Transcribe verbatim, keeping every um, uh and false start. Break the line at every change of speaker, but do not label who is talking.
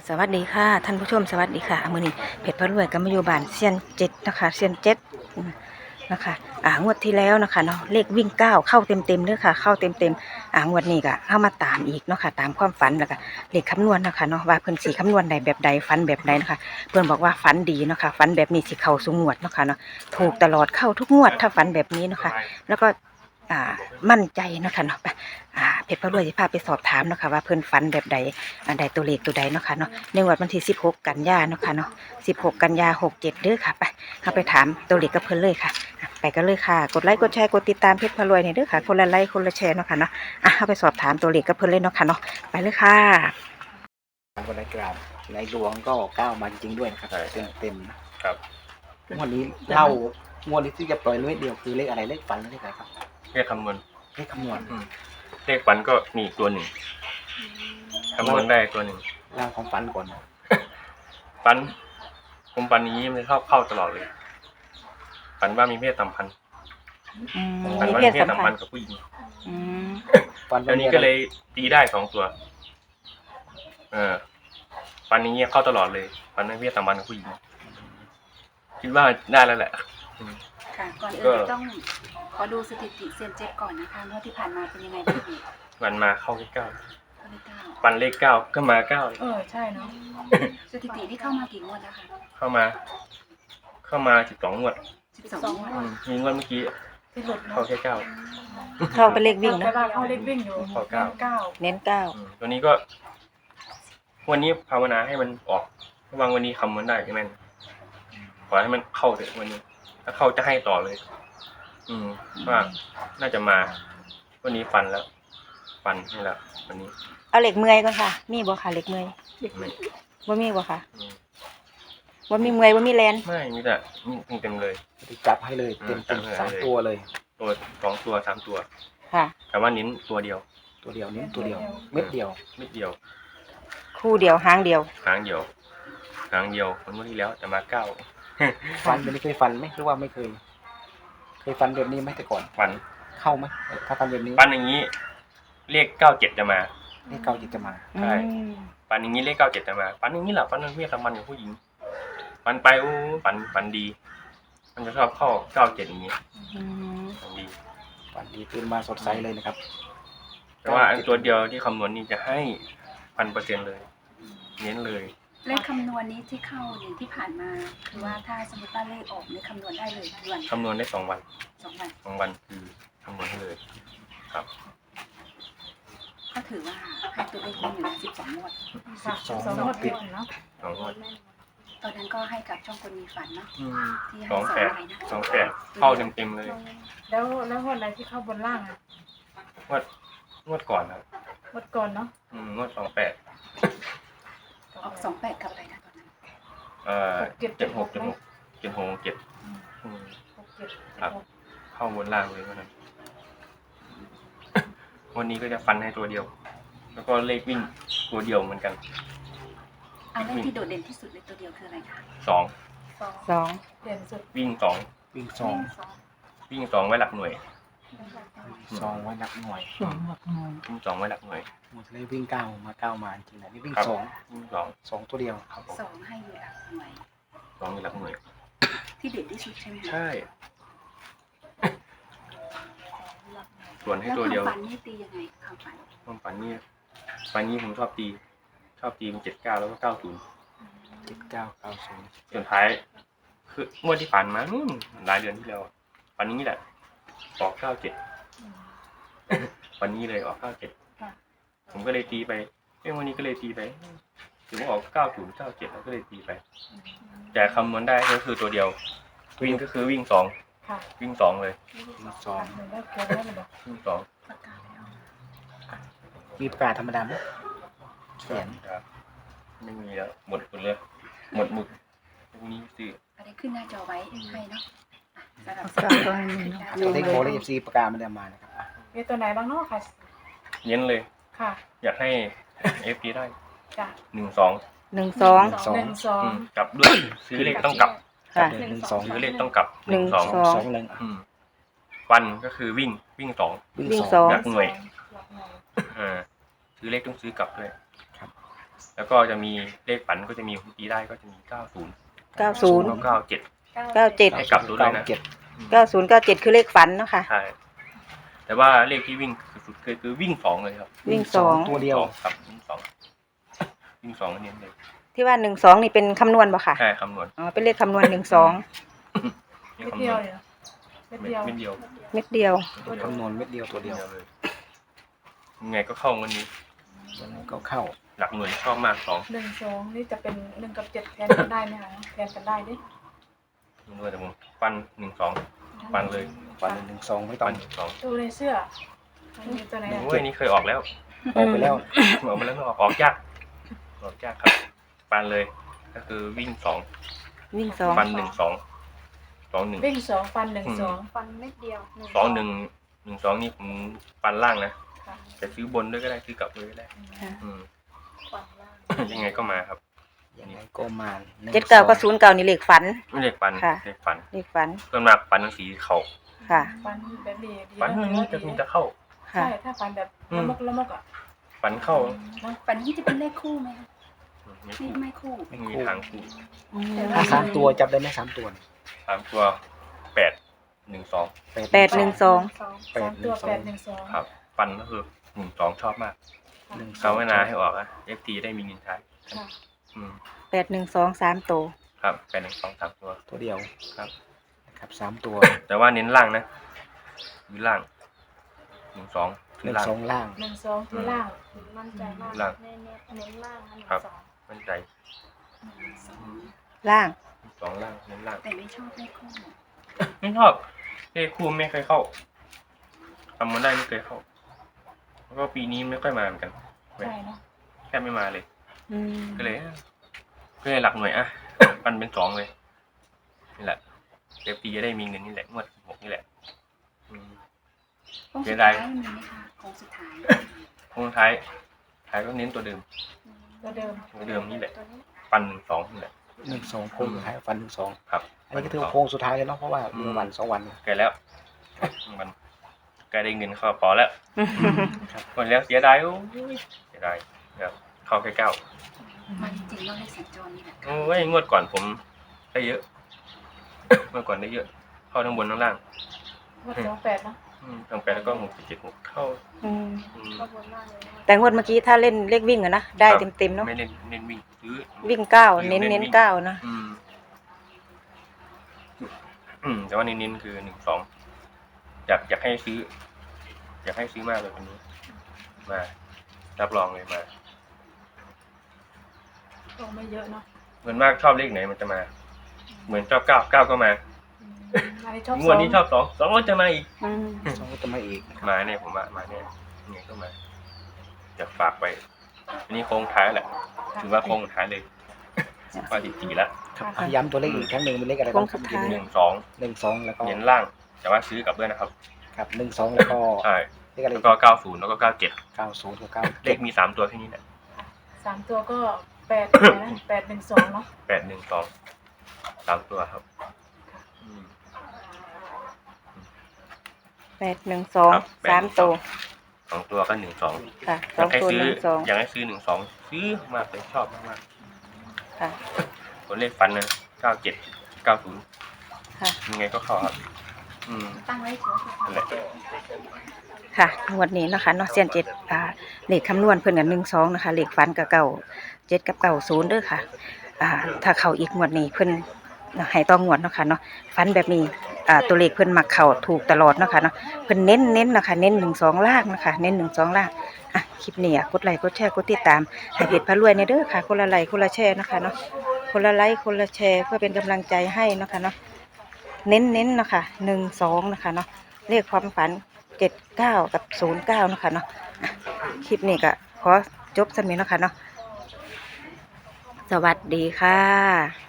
สวัสดีค่ะท่านผู้ชมสวัสดีค่ะมื้อนี้เพชรพระรวยก็มาอยู่บ้านเซียนเจ็ดนะคะเซียนเจ็ดนะคะอ่างวดที่แล้วนะคะเนาะเลขวิ่งเก้าเข้าเต็มเต็มเด้อค่ะเข้าเต็มเต็มอ่างวดนี้ก็เข้ามาตามอีกเนาะค่ะตามความฝันแล้วก็เลขคำนวณนะคะเนาะว่าเพิ่นสิคำนวณใดแบบใดฝันแบบใดนะคะเพิ่นบอกว่าฝันดีเนาะค่ะฝันแบบนี้สิเข้าสู่งวดเนาะค่ะเนาะถูกตลอดเข้าทุกงวดถ้าฝันแบบนี้เนาะค่ะแล้วก็อ่ามั่นใจเนาะค่ะเนาะอ่าเพชรพระรวยสิพาไปสอบถามเนาะค่ะว่าเพิ่นฝันแบบใดอันใดตัวเลขตัวใดเนาะค่ะเนาะในงวดวันที่สิบหกกันยาเนาะค่ะเนาะสิบหกกันยาหกเจ็ดเด้อค่ะไปเข้าไปถามตัวเลขกับเพิ่นเลยค่ะไปกันเลยค่ะกดไลค์กดแชร์กดติดตามเพชรพระรวยเนี่ยเด้อค่ะคนละไลค์คนละแชร์เนาะค่ะเนาะอ่ะเข้าไปสอบถามตัวเลขกับเพิ่นเลยเนาะค่ะเนาะไปเลยค่ะ
วันนี้กราบในดวงก็ก้าวมาจริงๆด้วยนะครับเต็มเต็มนะครับงวดนี้เล่างวดนี้ที่จะปล่อยเลขเดียวคือเลขอะไรเลขฝันหรือเลขอะไรครับ
เลขคำนวณ
เลขคำนวณ
เลขฝันก็มีตัวหนึ่งคำนวณได้ตัวหนึ่ง
เล่าของฝันก่อน
ฝันผมฝันนี้มันเข้าเข้าตลอดเลยฝันว่ามีเพศสัมพันธ์ฝันว่ามีเพศสัมพันธ์กับผู้หญิง
ฝัน
แล้วนี้ก็เลยตีได้สองตัวเออฝันนี้เข้าตลอดเลยฝันว่ามีเพศสัมพันธ์กับผู้หญิงคิดว่าได้แล้วแหละ
ค่ะก่อนอื่นต้องขอดูสถิติเซียนเจ็ดก่อนนะคะงวดที่ผ่านมาเป็นยังไงบ้างพี่
วันมาเข้าเลขเก้า
เข้าเลขเก้า
ปันเลขเก้าก็มาเก้า
เออใช่เนาะสถิติที่เข้ามากี่งวดแล้วคะ
เข้ามา เข้ามาสิบสองงวด
สิบสองงวด
มีงวดเมื่อกี้เข้าแค่เก้า
เข้าไปเลขวิ่งนะ
เข้าเลขวิ่งอยู่
เข้าเก้า
เน้นเก้า
ตัวนี้ก็วันนี้ภาวนาให้มันออกวางวันนี้คำมันได้ใช่ไหมขอให้มันเข้าเถอะวันนี้ถ้าเข้าจะให้ต่อเลยอืมว่าน่าจะมาวันนี้ฟันแล้วฟันนี่แหละวันนี้
เอาเหล็กเมื่อยก่อนค่ะมีบ่ค่ะเหล็กเมื่อยว่ามีบ่ค่ะว่ามีเมื่อยว่ามีแลน
ไม่มีแต่มีเต็มเลย
จับให้เลยเต็มเต็มสามตัวเลย
ตัวสองตัวสามตัว
ค่ะ
แต่ว่านิ้นตัวเดียว
ตัวเดียวนิ้นตัวเดียวเม็ดเดียว
เม็ดเดียว
คู่เดียวหางเดียว
หางเดียวหางเดียวคนเมื่อที่แล้วจะมาเก้า
ฟันไม่เคยฟันไหมหรือว่าไม่เคยเคยฟันแบบนี้ไหมแต่ก่อน
ฟัน
เข้าไหมถ้าฟันแบบนี้
ฟันอย่างนี้เลขเก้าเจ็ดจะมา
เลขเก้าเจ็ดจะมา
ใช่ฟันอย่างนี้เลขเก้าเจ็ดจะมาฟันอย่างนี้แหละฟันมันเมียสมันกับผู้หญิงฟันไปอู้ฟันฟันดีมันจะชอบเข้าเก้าเจ็ดอย่างนี้ฟันดี
ฟันดีตื่นมาสดใสเลยนะครับ
แต่ว่าอันตัวเดียวที่คำนวณนี่จะให้พันเปอร์เซ็นต์เลยเน้นเลย
เลขคำนวณนี้ที่เข้าอย่างที่ผ่านมาคือว่าถ้าสมมติว่าเลขออกนี่คำนวณได้เลยทุกวัน
คำนวณได้สองวัน
สองวัน
สองวันคือคำนวณให้เลยครับ
ก็ถือว่าให้ตัวเลขมันอยู่สิบสองงวด
สิบสองงวดติด
เนาะ
สองงวด
ตอนนั้นก็ให้กับช่องคนมีฝันเนาะที่ให้
สอง
สอง
แปด
อะไรนะ
สองแปดเข้าเต็มเต็มเลย
แล้วแล้วงวดอะไรที่เข้าบนล่างอ่ะ
งวดงวดก่อนครับ
งวดก่อนเนาะ
อืมงวดสองแปด
ออกสองแปดกับอะไรนะตอนนั้น
เอ่อเจ็ดหกเจ็ดหกเจ็ดหกเจ็ดครับเข้าบนล่างเลยวันนั้นวันนี้ก็จะฟันให้ตัวเดียวแล้วก็เลขวิ่งตัวเดียวเหมือนกัน
อันเลขที่โดดเด่นที่สุดในตัวเดียวคืออะไรคะ
สอง
สอง
เด่นสุด
วิ่งสอง
วิ่งสอง
วิ่งสองไว้หลักหน่วย
สองไว้หลักหน่วย
สองหลักหน่วย
วิ่งสองไว้หลักหน่วย
หมดเลยวิ่งเก้ามาเก้ามาจริงๆนะนี่วิ่งสอง
วิ่งสอง
สองตัวเดียว
ครับสองให้อยู่หลักหน่วย
สองอยู่หลักหน่วย
ที่เด่นที่สุดใช่ไหม
ใช่ส่วนให้ตัวเดียว
แล้วความฝันนี่ตียังไงความฝัน
ความฝันนี่ฝันนี้ผมชอบตีชอบตีเป็นเจ็ดเก้าแล้วก็เก้าศูนย์
เจ็ดเก้าเก้าศูนย์
ส่วนท้ายคืองวดที่ผ่านมาหลายเดือนที่แล้วฝันนี้แหละออกเก้าเจ็ดวันนี้เลยออกเก้าเจ็ดผมก็เลยตีไปเอ้วันนี้ก็เลยตีไปถึงว่าออกเก้าศูนย์เก้าเจ็ดแล้วก็เลยตีไปแต่คำนวณได้ก็คือตัวเดียววิ่งก็คือวิ่งสองวิ่งสองเลย
วิ่งสอง
วิ่งสอง
มีประกาศธรรมดาไหมเขียน
ไม่มีแล้วหมดหมดเลยหมดหมึกพรุ่งนี้ซื้อ
อะไรขึ้นหน้าจอไว้ให้เนาะสำหรับ
ตัวเลขโบเลขซีประกาศมันจะมานะครับ
มีตัวไหนบ้างเนาะค่ะ
เน้นเลย
ค่ะ
อยากให้เอฟพีได้
จ้ะ
หนึ่งสอง
หนึ่งสอง
หนึ่งสอง
กลับด้วยซื้อเลขต้องกลับ
ค่ะ
หนึ่งสอง
ซื้อเลขต้องกลับ
หนึ่งสอง
สองหนึ่ง
วันก็คือวิ่งวิ่งสอง
วิ่งสอง
หลักหน่วยอ่าซื้อเลขต้องซื้อกลับด้วย
ครับ
แล้วก็จะมีเลขฝันก็จะมีผมตีได้ก็จะมีเก้าศูนย์
เก้าศูนย์
เก้าเจ็ด
เก้าเจ็ด
ให้กลับดูด้วยนะ
เจ็ด
เก้าศูนย์เก้าเจ็ดคือเลขฝันเนาะค่ะ
ใช่แต่ว่าเลขที่วิ่งสุดๆคือคือวิ่งสองเลยครับ
วิ่งสอง
ตัวเดียว
สองครับวิ่งสองวิ่งสองเน้นเลย
ที่ว่าหนึ่งสองนี่เป็นคำนวณบ่ค่ะ
ใช่คำนวณ
อ๋อเป็นเลขคำนวณหนึ่งสอง
เม็ดเดียวเลยเหรอเม็ด
เม็
เดียว
ดเดียว
เม็ดเดียว
คำนวณเม็ดเดียวตัว
เดี
เดี
ย
ยว ว
เลยยังไงก็เข้าวันนี้
วันนั้นก็เข้า
หลักหน่วยชอบมากสอง
หนึ่งสองนี่จะเป็นหนึ่งกับเจ็ดแทนกันได้ไหมคะแทนกันได้ดิ
ไม่รู้แต่ผมฟันหนึ่งสองฟันเลย
วันหนึ่งสองไม่ต้
ฟั
อน ง
หนึ่งสอง
ตัวในเสื้อมันมีตัวไหนอะ
โอ้ยนี่เคยออกแล้ว
ออกไปแล้ว
ออกมาแล้วไม่ออกออกยากออกยากครับฟันเลย ก็คือวิ่งสอง
วิ่งสอง
ฟันหนึ่งสองสองหนึ่ง
วิ่งสองฟันหนึ่งสอง
ฟันเม็ดเดียว
สองหนึ่งหนึ่งสองนี่ผมฟันล่างนะ
ค่ะ
จะซื้อบนด้วยก็ได้ซื้อกลับด้วยก็ได้
ค่ะ
อืม
ฟันล่าง
ยังไงก็มาครับ
ยังไงก็มาหนึ่ง
เจ็ดเก้า
สอง
กับศูนย์เก้านี่เลขฝัน
ไม่เลขฟัน
ค่ะ
เลขฟัน
เลขฝัน
ส่วนมากฟันทั้งสีเขา
ค่ะ
ฟันแบบนี้ดี
ฟัน
นะ
นี้จะมีจะเข้า
ค่ะ
ใช่ถ้าฟันแบบละมกละมกอ่ะ
ฟันเข้า
เนอะ
ฟันนี้จะเป็นเลขคู่ไหมคะ
ไม่
ไม่
คู่
ไม่คู่
ไม่มีทางคู่
อืม
ถ้าสามตัวจับได้ไหมสามตัว
สามตัวแปดหนึ่งสอง
แปดหนึ่งสอง
แป
สา
ด
ม
ห
ตั
นึ่
ว
งสอ
แป
ง
ดหนึ่งสอง
ครับ ฟันก็คือหนึ่งสองชอบมาก
หนึ่งสอ
เขา
ง
ไม่นาให้ออกอะเอฟทีได้มีเงินใช้
ค่ะ
อืม
แปดหนึ่งสองสามตัว
ครับแปดหนึ่งสองสามตัว
ตัวเดียว
ครับ
นะครับสามตัว
แต่ว่าเน้นล่างนะคือล่างหนึ่งสอง
ห
คือ
นึ่ง
ล่าง
สองล่าง
หนึ่งสองคือล่าง
มั่นใจมาก
ล่าง
เน้นเน้นล่างอันหนึ่ง
ครับ
สอง
มั่นใจ
สอง
ล่าง
หนึ่งสองล่างเน้นล่าง
แต่ไม่ชอบเลขคู่
ไม่ชอบเลขคู่ไม่เคยเข้าทำมาได้ไม่เคยเข้าแล้วก็ปีนี้ไม่ค่อยมาเหมือนกัน
ใช่เนาะ
แค่ไม่มาเลย
อืม
ก็เลยก็เลยหลักหน่วยอ่ะ ปันเป็นสองเลยนี่แหละเอฟทีจะได้มีเงินนี่แหละงวดหกนี่แหละอืม
โค้ง
เสี
สุ
ย
ด
ดา
ท้าย ยมีไหมคะโค้งสุดท้าย
โค้งท้ายท้ายก็เน้นตัวเดิม
ตัวเดิม
ตัวเดิมนี่แหละ
ตัวนี้
ปันหนึ่งสองนี่แหละ
หนึ่งสองโค้งสุดท้ายฟันหนึ่งสอง
ครับ
อันนี้ก็ถือว่าโค้งสุดท้ายเลยเนาะเพราะว่าเหลือวันสองวัน
ใกล้แล้วมันใกล้ได้เงินเข้าพอแล้ว
ครับ
หมดแล้วเสียดายโอ้ยเสียดายครับเข้าแค่เก้า
มาจริงๆเราเลขสัญจรนี่แหละ
โอ้ยงวดก่อนผมได้เยอะ เมื่อก่อนได้เยอะ เข้าทั้งบนทั้งล่าง
งวดสองแปดเนาะ
อืมทั้งแปดแล้วก็หกเจ็ดหกเข้า
อืม
อืม
ก็วนมากเลยนะ
แต่งวดเมื่อกี้ถ้าเล่นเลขวิ่งอะนะได้
ครับ
เต็มๆเนาะ
ไม่เน้นเน้นวิ่งซื้อ
วิ่งเก้า
วิ่ง
เน้น
เน้น
เน้น
วิ่ง
เก้านะ
อืม อืม แต่ว่าเน้นๆคือหนึ่งสองอยากอยากให้ซื้อ อยากให้ซื้อมากเลยวันนี้ มารับรองเลยมา
ก็ไม่เยอะเนาะ
เหมือนมากชอบเลขไหนมันจะมา เหมือนชอบเก้าเก้าก็มา
อืมอันนี้ชอบ
ง
ส
ว
อ
ด
ง
นี้ชอบสองสองก็จะมาอีก
อืม
สองก็จะมาอีก
มาเนี่ยผมว่ามาเนี่ยเนี่ยก็มาอยากฝากไปอันนี้โค้งท้ายแหละถือว่าโค้งท้ายเลยว่าสิบสี่แล้ว
ครับอ่ะย้ำตัวเลขอีกครั้งหนึ่งเป็นเลขอะไรบ้างครับ
หนึ่งสอง
หนึ่งสองแล้วก็
เน้นล่าง แต่ว่าซื้อกลับด้วยนะครับ
ครับหนึ่งสองแล้วก็
ใช่
เลขอะไร
แล้วก็เก้าศูนย์แล้วก็เก้าเจ็ด
เก้าศูนย์กับเก้า
เลขมีสามตัวแค่นี้แหละ
สามตัวก็แปดอะไรนะแปดหนึ่งสองเนาะ
แปดหนึ่งสองสามตัวครับอืม
แปดหนึ่งสอง
ครับแปด
สามตัว
สองตัวก็หนึ่งสอง
ค่ะ
อ
สอย
าง กให้
ตัว
ซื้
ห
อ
นึ่งสอง
อยากให้ซื้อหนึ่งสองซื้อมากเลยชอบมาก
ค่ะ
ๆตัวเลขฟันนะเก้าเจ็ดเก้าศูนย์
ค่ะ
ยังไงก็เข้าครับ อืม
ตั้งไว้เฉย
นั่นแหละ
ค่ะงวดนี้นะคะเนาะเซียนเจ็ดอ่าเลขคำนวณเพิ่นกับหนึ่งสองนะคะเลขฟันกับเก่าเจ็ดกับเก่าศูนย์เด้อค่ะอ่าถ้าเข้าอีกงวดนี้เพิ่นให้ต้องงวดเนาะค่ะเนาะฟันแบบนี้อ่าตัวเลขเพิ่นมักเข้าถูกตลอดเนาะค่ะเนาะเพิ่นเน้นเน้นนะคะเน้นหนึ่งสองล่างนะคะเน้นหนึ่งสองล่างอ่ะคลิปนี้อ่ะกดไลค์กดแชร์กดติดตามให้เพจพระรวยในเด้อค่ะคนละไลค์คนละแชร์นะคะเนาะคนละไลค์คนละแชร์เพื่อเป็นกำลังใจให้เนาะค่ะเนาะเน้นเน้นๆนะคะหนึ่งสองนะคะเนาะเลขความฝันเจ็ดเก้ากับศูนย์เก้านะคะเนาะอ่ะคลิปนี้ก็ขอจบสำนี้เนาะค่ะเนาะสวัสดีค่ะ